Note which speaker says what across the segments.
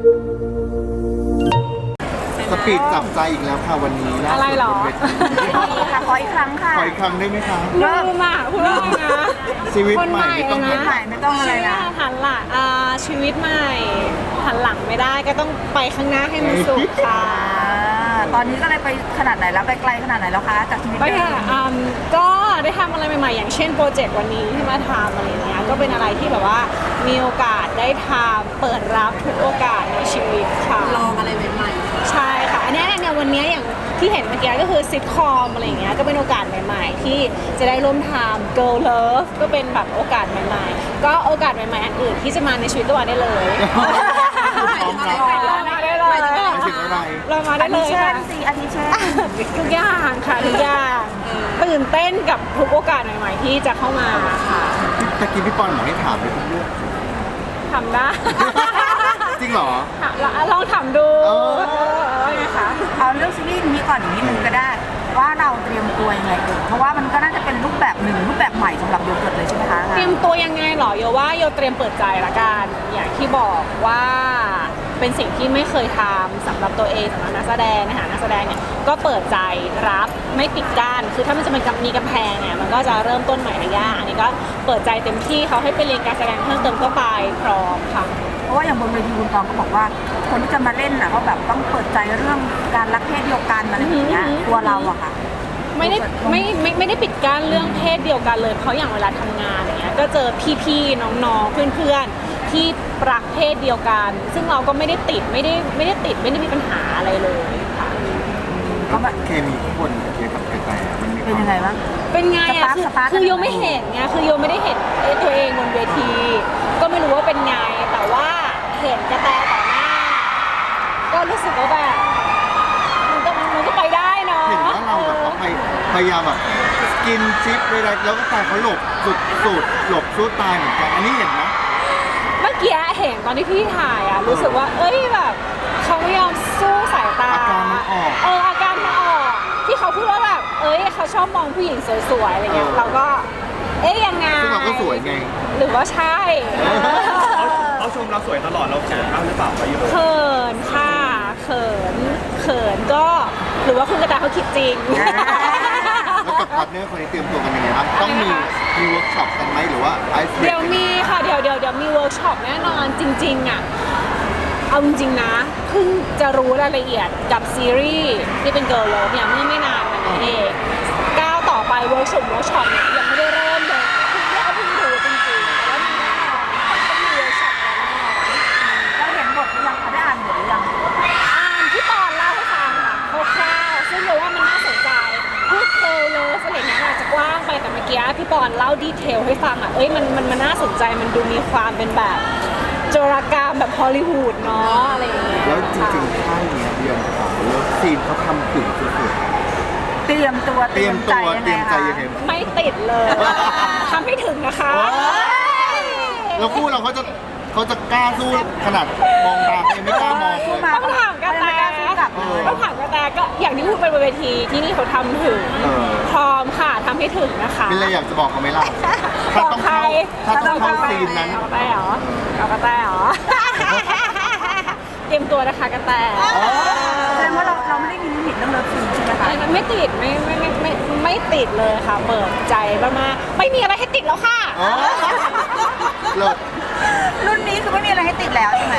Speaker 1: สปีดจับใจอีกแล้วค่ะวันนี้ล่าสุด
Speaker 2: อะไรหรอ
Speaker 1: บนเวที
Speaker 3: ค่ะขออีกครั้งค่ะ
Speaker 1: ขออีกครั้งได้ไหมคะ
Speaker 2: ลืมอ่ะพูดว่าไงนะ
Speaker 1: ชีวิตใหม่ไม่ต้อง
Speaker 2: คนใหม่
Speaker 3: ไม่ต้องอะไรนะ
Speaker 2: หันหลังชีวิตใหม่หันหลังไม่ได้ก็ต้องไปข้างหน้าให้มันสุดค่ะ
Speaker 3: ตอนนี้ก็เลยไปขนาดไหนแล้วไปไกลขนาดไหนแล้วคะจากชีวิต
Speaker 2: ไป
Speaker 3: เดิ
Speaker 2: ค่ะ
Speaker 3: ม
Speaker 2: ก็ได้ทำอะไรใหม่ๆอย่างเช่นโปรเจกต์วันนี้ที่มาทำอะไรเงี้ยก็เป็นอะไรที่แบบว่ามีโอกาสได้ทำเปิดรับทุกโอกาสในชีวิตค่ะลองอะไรใหม่ๆใช่ค่ะอันนี้เนี่ยวันนี้อย่างที่เห็นเมื่อกี้ก็คือซิทคอมอะไรเงี้ยก็เป็นโอกาสใหม่ๆที่จะได้ร่วมทำ Girl Love ก็เป็นแบบโอกาสใหม่ๆก็โอกาสใหม่ๆอันอื่นที่จะมาในชีวิตก็มาได้เลย
Speaker 1: พร้อมรับ
Speaker 2: เรามาได้เลย
Speaker 1: หมายถึงอะไร
Speaker 2: เรามาได้
Speaker 3: อา
Speaker 2: เล
Speaker 3: ทิ
Speaker 2: ย
Speaker 3: เช่
Speaker 2: ค่ะ
Speaker 3: นสิอาทิเช่น
Speaker 2: ทุกอย่างค่ะทุกอย่างตื่นเต้นกับทุกโอกาสใหม่ๆที่จะเข้ามาค่ะ
Speaker 1: ตะกี้พี่ปอนบอกให้ถามไปทุกเรื่อง
Speaker 2: ทำได้
Speaker 1: จริงเหรอ
Speaker 2: ลองทำดู
Speaker 1: เออ
Speaker 2: ว่าไงคะ
Speaker 3: เอาเรื่องซีรีส์นี้ก่อนอีกนิดนึงก็ได้ ว่าเราเตรียมตัวยังไงเอ่ยเพราะว่ามันก็น่าจะเป็นรูปแบบหนึ่งรูปแบบใหม่สำหรับโยเกิร์ตเลยใช่ไหมคะ
Speaker 2: เตรียมตัวยังไงเหรอโยว่าโยเตรียมเปิดใจละกันอย่างที่บอกว่าเป็นสิ่งที่ไม่เคยทำสำหรับตัวเองสำหรับนักแสดงนะคะนักแสดงเนี่ยก็เปิดใจรับไม่ปิดกั้นคือถ้ามันจะมีกำแพงเนี่ยมันก็จะเริ่มต้นใหม่ระยะอันนี้ก็เปิดใจเต็มที่เขาให้ไปเรียนการแสดงเพิ่มเติมก็ไปพร้อมค่ะ
Speaker 3: เพราะว่าอย่างบนเวทีคุณตองก็บอกว่า คนที่จะมาเล่นน่ะก็แบบต้องเปิดใจเรื่องการรักเพศเดียวกันอะไรอย่างเงี้ยตัวเราอะค่ะ
Speaker 2: ไม่ได้ปิดกั้นเรื่องเพศเดียวกันเลยเพราะอย่างเวลาทำงานอย่างเงี้ยก็เจอพี่ๆน้องๆเพื่อนๆที่รักเพศเดียวกัน ซึ่งเราก็ไม่ได้ติดไม่ได้มีปัญหาอะไรเลยค่ะ
Speaker 1: ก็แบบเคมีข้างบนกับเคกับกระแตมันมี
Speaker 3: เป็นยังไงบ้าง
Speaker 2: เป็นไงอะ
Speaker 3: สปาร์ค
Speaker 2: คือโยไม่เห็นไงคือโยไม่ได้เห็นตัวเองบนเวที ก็ไม่รู้ว่าเป็นไงแต่ว่าเห็นกระแตต่อหน้า ก็รู้สึกว่าแบบมันก็ไปได้เนาะ
Speaker 1: เห็นว่าเราแบบว่าพยายามแบบกินชิปไปอะไรแล้วก็ตายเขาหลบสุดหลบสู้ตายเหมือนกันอันนี้เห็นไหม
Speaker 2: เมื่อกี้เห็นตอนที่พี่ถ่ายอะรู้สึกว่าเอ้ยแบบเขาไม่ยอมสู้สายตา
Speaker 1: อาการมันออก
Speaker 2: อาการมันออกที่เขาพูดว่าแบบเอ้ยเขาชอบมองผู้หญิงสวยๆอะไรเงี้ยเราก็ยังไง
Speaker 1: ซึ่งเราก็สวยไง
Speaker 2: หรือว่าใช่
Speaker 4: เขาชมเราสวยตลอดเราเขินบ้างหรือเปล่าไปอยู่
Speaker 2: เขินค่ะเขินก็หรือว่าคุณกระตายเขาคิดจริง
Speaker 1: แล้วกับพาร์ทเนอร์คนนี้เตรียมตัวกันยังไงบ้างต้องมีเวิร์กช็อปกันไหมหรือว่าไอซ์
Speaker 2: เดี๋ยวมีค่ะเดี๋ยวมีเวิร์กช็อปแน่นอนจริงๆอ่ะเอาจริงๆนะเพิ่งจะรู้รายละเอียดกับซีรีส์ที่เป็นเกิร์ลเลิฟเนี่ยเมื่อไม่นานมานี้เองก้าวต่อไปเวิร์กช็อปเนี่ยยังไม่ได้เริ่มเลยเพิ่งรู้จริงๆแล้วมีแน่นอนต้องมีเวิร์กช็อปแน่นอน
Speaker 3: เราเห็นบทหรือยังคะได้อ่านบทหรือยัง
Speaker 2: ที่ตอนเล่าให้ฟังค่ะคร่าวๆซึ่งเราว่ามันน่าสนใจพูดเทลเลยอะไรเงี้ยอาจจะกว้างไปแต่เมื่อกี้พี่ปอนเล่าดีเทลให้ฟังอ่ะมันน่าสนใจมันดูมีความเป็นแบบโจรกรรมแบบฮอลลีวูดเนาะอะไรอย่างเงี้ย
Speaker 1: แล้วจริงๆค่ายเนี้ยเดือนของเลิฟซีนเขาทำถึงสุด
Speaker 3: เตรียมตัว
Speaker 1: ๆเตรียมตัวเตรียมใจยังไง
Speaker 2: ไม่ติดเลยทำให้ถึงนะคะ
Speaker 1: แล้วคู่เราเขาจะกล้าสู้ขนาดมองตายังไม่กล้ามองเลย
Speaker 2: ต้องถามกระแต ต้องถามกระแตก็อย่างที่พูดไปบนเวทีที่นี่เขาทำถึงพร้อมค่ะทำให้ถึงนะคะ
Speaker 1: มีอะไรอยากจะบอกเขาไหมล่ะถ้าต้องเข้าซีนนั้น
Speaker 2: เอากระแตเหรอเอากระแตเหรอ เตรียมตัวนะคะกระแต
Speaker 3: แสดงว่าเราไม่ได้มีลิมิตเรื่องเลิฟซีนใช่ไหมคะ
Speaker 2: ไม่ติดไม่ติดเลยค่ะเปิดใจมากๆไม่มีอะไรให้ติดแล้วค่ะ
Speaker 1: อ๋อเลิศ
Speaker 3: รุ่นนี้คือไม่มีอะไรให้ติดแล้วใช่ไหม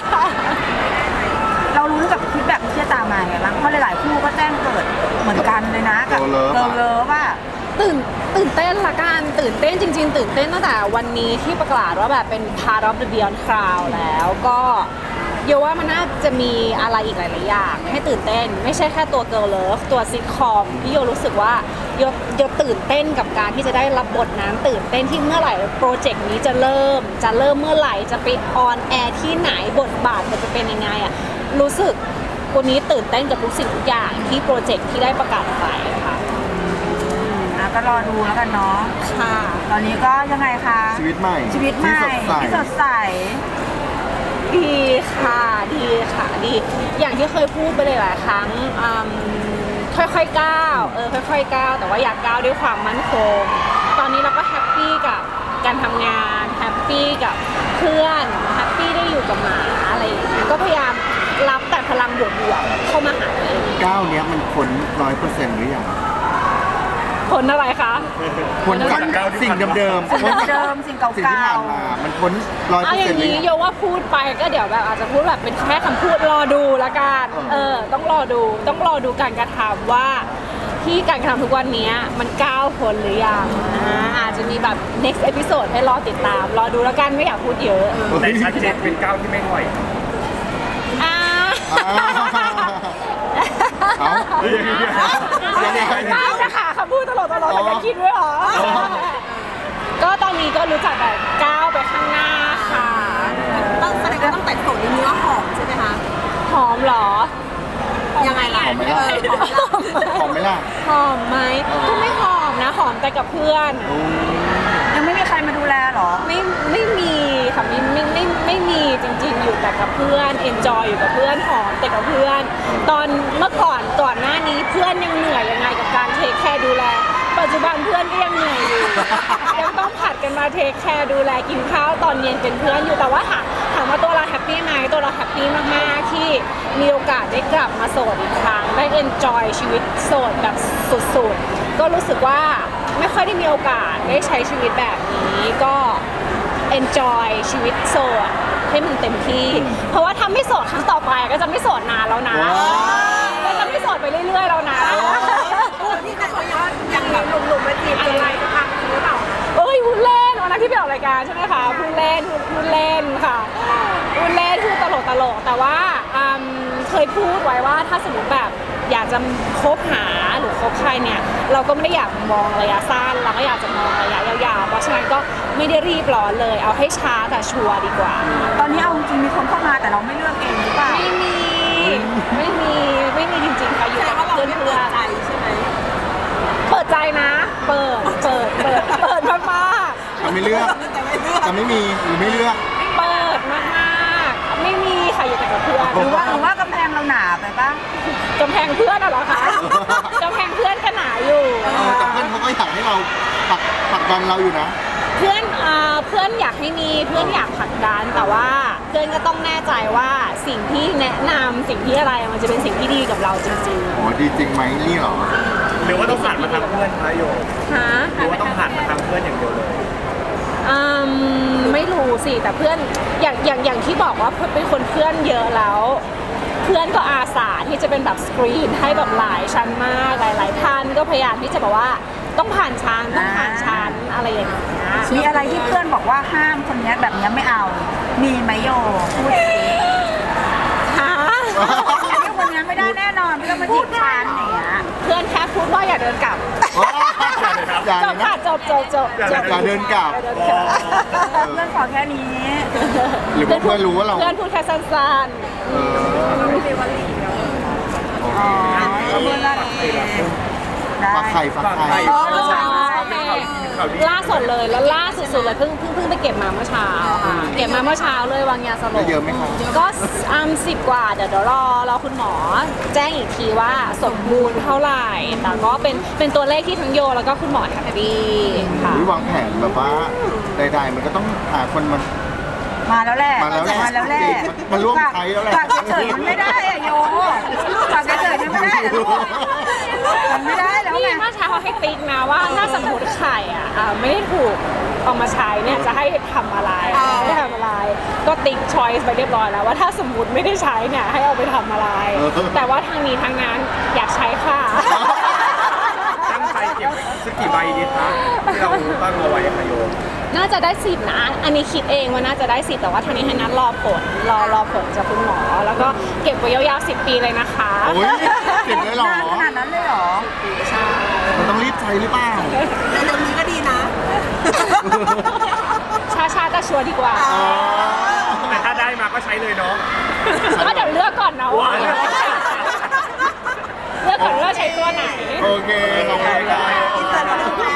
Speaker 3: เรารู้กับฟีดแบ็กที่จะตามมาไงบ้างเพราะหลายๆคู่ก็แจ้งเกิดเหมือนกันเลยนะกับเลิฟว่า
Speaker 2: ตื่นเต้นละกันตื่นเต้นจริงๆตื่นเต้นตั้งแต่วันนี้ที่ประกาศว่าแบบเป็น part of the Beyond Cloud แล้วก็โยว่ามันน่าจะมีอะไรอีกหลายๆอย่างให้ตื่นเต้นไม่ใช่แค่ตัว Girl Love ตัวซิทคอมที่โยรู้สึกว่าโยตื่นเต้นกับการที่จะได้รับบทนั้นตื่นเต้นที่เมื่อไหร่โปรเจกต์นี้จะเริ่มเมื่อไหร่จะไปออนแอร์ที่ไหนบทบาทมันจะเป็นยังไงอ่ะรู้สึกวันนี้ตื่นเต้นกับทุกสิ่งทุกอย่างที่โปรเจกต์ที่ได้ประกาศไปค่ะ
Speaker 3: ก็รอดูแล้วกันเนาะ
Speaker 2: ค่ะ
Speaker 3: ตอนนี้ก็ยังไงคะ
Speaker 1: ชีวิตใหม่
Speaker 3: ชีวิตใหม่
Speaker 1: ที่สดใส
Speaker 2: ดีค่ะดีอย่างที่เคยพูดไปเลยหลายครั้งค่อยๆก้าวค่อยๆก้าวแต่ว่าอยากก้าวด้วยความมั่นคงตอนนี้เราก็แฮปปี้กับการทำงานแฮปปี้กับเพื่อนแฮปปี้ได้อยู่กับหมาอะไรอย่างเงี้ยก็พยายบวกๆเข้ามาหาตัวเอง
Speaker 1: ก้าวเนี้ยมันพ้น100%หรือยัง
Speaker 2: ผลอะไรคะ
Speaker 1: พ้นจากสิ่งเดิมๆพ้นจาก
Speaker 3: เดิมสิ่งเก่า
Speaker 1: สิ่งที่ผ่านมามันพ้น
Speaker 2: เอาอย่าง
Speaker 1: 100%หรือ
Speaker 2: นี้
Speaker 1: ยัง
Speaker 2: โยว่าพูดไปก็เดี๋ยวแบบอาจจะพูดแบบเป็นแค่คำพูดรอดูละกันต้องรอดูการกระทำว่าที่การกระทำทุกวันนี้มันก้าวพ้นหรือยังอาจจะมีแบบ next episode ให้รอติดตามรอดูแล้วกันไม่อยากพูดเยอะ
Speaker 4: แต่ชัดเจนเป็นก้าวที่ไม่ถอย
Speaker 2: อ่า
Speaker 1: เอายังไง
Speaker 2: ก้าวนะคะคำพูดตลอดแต่จะคิดด้วยเหรอ ก็ตอนนี้ก็รู้จักแต่ก้าวไปข้างหน้าค่ะ
Speaker 5: ต้องแสดงว่าต้องแต่งตัวในเนื้อหอมใช่ไหมคะ
Speaker 2: หอมเหรอ
Speaker 5: ยังไงล่ะ
Speaker 1: หอมไหมล่ะหอมไหมล่ะ
Speaker 2: หอมไหมก็ไม่หอมนะหอมแต่กับเพื่อน
Speaker 3: ยังไม่มีใครมาดูแลเหรอ
Speaker 2: ไม่มีค่ะไม่มีจริงๆอยู่แต่กับเพื่อนเอนจอยอยู่กับเพื่อนหอมแต่กับเพื่อน ตอนเมื่อก่อนหน้านี้เพื่อนยังเหนื่อยยังไงกับการเทคแคร์ดูแล ปัจจุบันเพื่อนก็ยังเหนื่อยอยู่ ยังต้องผัดกันมาเทคแคร์ดูแลกินข้าวตอนเย็นเป็นเพื่อนอยู่แต่ว่าถามว่าตัวเราแฮปปี้ไหมตัวเราแฮปปี้มากๆที่มีโอกาสได้กลับมาโสดอีกครั้งได้เอนจอยชีวิตโสดแบบสุดๆก็รู้สึกว่าไม่ค่อยได้มีโอกาสได้ใช้ชีวิตแบบนี้ก็ enjoy ชีวิตโสดให้มันเต็มที่ เพราะว่าถ้าไม่โสดครั้งต่อไปก็จะไม่โสดนานแล้วนะ
Speaker 1: ว้าว
Speaker 2: ก็จะไม่โสดไปเรื่อยๆแล้วนะ
Speaker 5: ที่แต่เขายังแบบหนุ่มๆมาจีบอะไรจะทำหรือเปล่า
Speaker 2: เอ้ยพูดเล่นวันนั้นที่ไปออกรายการใช่ไหมคะพูดเล่นค่ะพูดเล่นพูดตลกแต่ว่าเคยพูดไว้ว่าถ้าสมมติแบบอยากจะคบหาหรือคบใครเนี่ยเราก็ไม่ได้อยากมองระยะสั้นเราก็อยากจะมองระยะยาวๆเพราะฉะนั้นก็ไม่ได้รีบร้อนเลยเอาให้ช้าแต่ชัวร์ดีกว่า
Speaker 3: ตอนนี้เอาจริงๆมีคนเข้ามาแต่เราไม่เลือกเองหรือเปล่า
Speaker 2: ไม่มีจริงๆค่ะอยู่
Speaker 5: แสด
Speaker 2: กั
Speaker 5: ง
Speaker 2: บ
Speaker 5: ว่าเรา
Speaker 2: เพื่อน
Speaker 5: ไม่
Speaker 2: เพื่
Speaker 5: เปิ
Speaker 2: อ
Speaker 5: ด
Speaker 2: น
Speaker 5: ใจใช่ไหม
Speaker 2: เปิดใจนะ เปิดมาก
Speaker 1: จะไม่เลือก
Speaker 5: แต่ไม่เลือก
Speaker 1: จะไม่มีหรือไม่เลือก
Speaker 2: ๆเปิดมากๆไม่มีค่ะอยู่แต่กับเพื่อน
Speaker 3: หรือว่ากำแพงเราหนาไปปะ
Speaker 2: กำแพงเพื่อนเหรอคะกำแพงเพื่อนก็หนาอยู่
Speaker 1: แต่เพื่อนเขาก็อยากให้เราผลักดันเราอยู่นะ
Speaker 2: เพื่อนอยากให้มีเพื่อนอยากผลักดันแต่ว่าเพื่อนก็ต้องแน่ใจว่าสิ่งที่แนะนำสิ่งที่อะไรมันจะเป็นสิ่งที่ดีกับเราจริง
Speaker 1: โอ้ดีจริงไหมนี่เหรอ
Speaker 4: หรือว่าต้องผ่านมาทางเพื่อนคะโย
Speaker 2: ๆฮะ
Speaker 4: หรือว่าต้องผ่านมาทางเพื่อนอย่างเดียวเลย
Speaker 2: ไม่รู้สิแต่เพื่อนอย่างที่บอกว่าเป็นคนเพื่อนเยอะแล้ว เพื่อนก็อาสาที่จะเป็นแบบสกรีนให้แบบหลายชั้นมากหลายท่านก็พยายามที่จะบอกว่าต้องผ่านชั้นอะไรอย่างเงี้ย
Speaker 3: มีอะไรที่เพื่อนบอกว่าห้ามคนเนี้ยแบบเนี้ยไม่เอา มีไหมโยพูดสิ
Speaker 2: ฮะ
Speaker 3: อันนี้คนเนี้ยไม่ได้แน่นอนไม่ต้องมาจีบฉันอย่างเงี้ย
Speaker 2: เพื่อนแค่พูดว่าอย่าเดินกลับ
Speaker 1: อย่า
Speaker 2: จ
Speaker 1: เล
Speaker 2: บ
Speaker 1: ยนะ
Speaker 2: ค่ะจบ
Speaker 1: อย่าเดินกลับ
Speaker 3: เพื่อนขอแค่นี้
Speaker 1: หรือว่าเพื่อนรู้ว่าเรา
Speaker 2: เพื่อนพูดแค่สั้น
Speaker 1: เออ
Speaker 3: อ๋อเพื่อนว่าโอเคได้
Speaker 1: ฝักไข่ฝักไข่
Speaker 3: อ๋อเมื่อเช้า
Speaker 4: ข่าวดี
Speaker 2: ๆล่าสุดเลยแล้วล่าสุดๆเลยเพิ่งไปเก็บมาเมื่อเช้าค่ะเก็บมาเมื่อเช้าเลยวางยาสล
Speaker 1: ได้
Speaker 2: บ
Speaker 1: เยอะไหมคะ
Speaker 2: ก็10 กว่าเดี๋ยวรอคุณหมอแจ้งอีกทีว่าสมบูรณ์เท่าไหร่แต่ก็เป็นตัวเลขที่ทั้งโยแล้วก็คุณหมอแฮปปี้ค่ะ
Speaker 1: หรือวางแผนแบบว่าใดๆมันก็ต้องหาคนมัน
Speaker 3: มาแล้วแหละ
Speaker 1: มาแล้วแหละ
Speaker 3: แหละ
Speaker 1: มันร่วมใช้แล้วแหละ
Speaker 3: ฝากเฉยๆมันไม่ได้อะโยฝากเฉยๆมันไม่ได้อะลูกมันไม่ได้แล้ว
Speaker 2: นี่
Speaker 3: ไง
Speaker 2: เมื่อเช้าเขาให้ติ๊กนะว่าถ้าสมมติไข่ไม่ได้ถูกเอามาใช้เนี่ยจะให้ทำอะไรไม่ทำอะไร ก็ติ๊กชอยส์ไปเรียบร้อยแล้วว่าถ้าสมมติไม่ได้ใช้เนี่ยให้เอาไปทำอะไร แต่ว่าทางนี้ทางนั้นอยากใช้ค่ะ
Speaker 4: ตั้งใจเก็บสักกี่ใบดีคะที่เราตั้งเอาไว้ค่ะโย
Speaker 2: น่าจะได้10นะ อันนี้คิดเองว่าน่าจะได้10แต่ว่าทางนี้ให้นัดรอผลรอผลจากคุณหมอ แล้วก็เก็บไว้ยาวๆ10 ปีเลยนะคะ
Speaker 1: โอ้ยเก็บได้หรอน
Speaker 3: านขนาดนั้นเลยเหรอ
Speaker 2: ใช่
Speaker 1: มันต้องรีบใช้หรือเปล่า
Speaker 5: แต่เดี๋ยวนี้ก็ดีนะ
Speaker 2: ช้าๆแต่ชัวร์ดีกว่า
Speaker 4: แต่ถ้าได้มาก็ใช้เลยเนาะ
Speaker 2: ก็เดี๋ยวเลือกก่อนนะว่า
Speaker 4: ว้าว
Speaker 2: เลือกก่อนว่าใช้ตัวไหน
Speaker 1: โอเคขอบคุณครับ
Speaker 5: อินเตอร์เราดู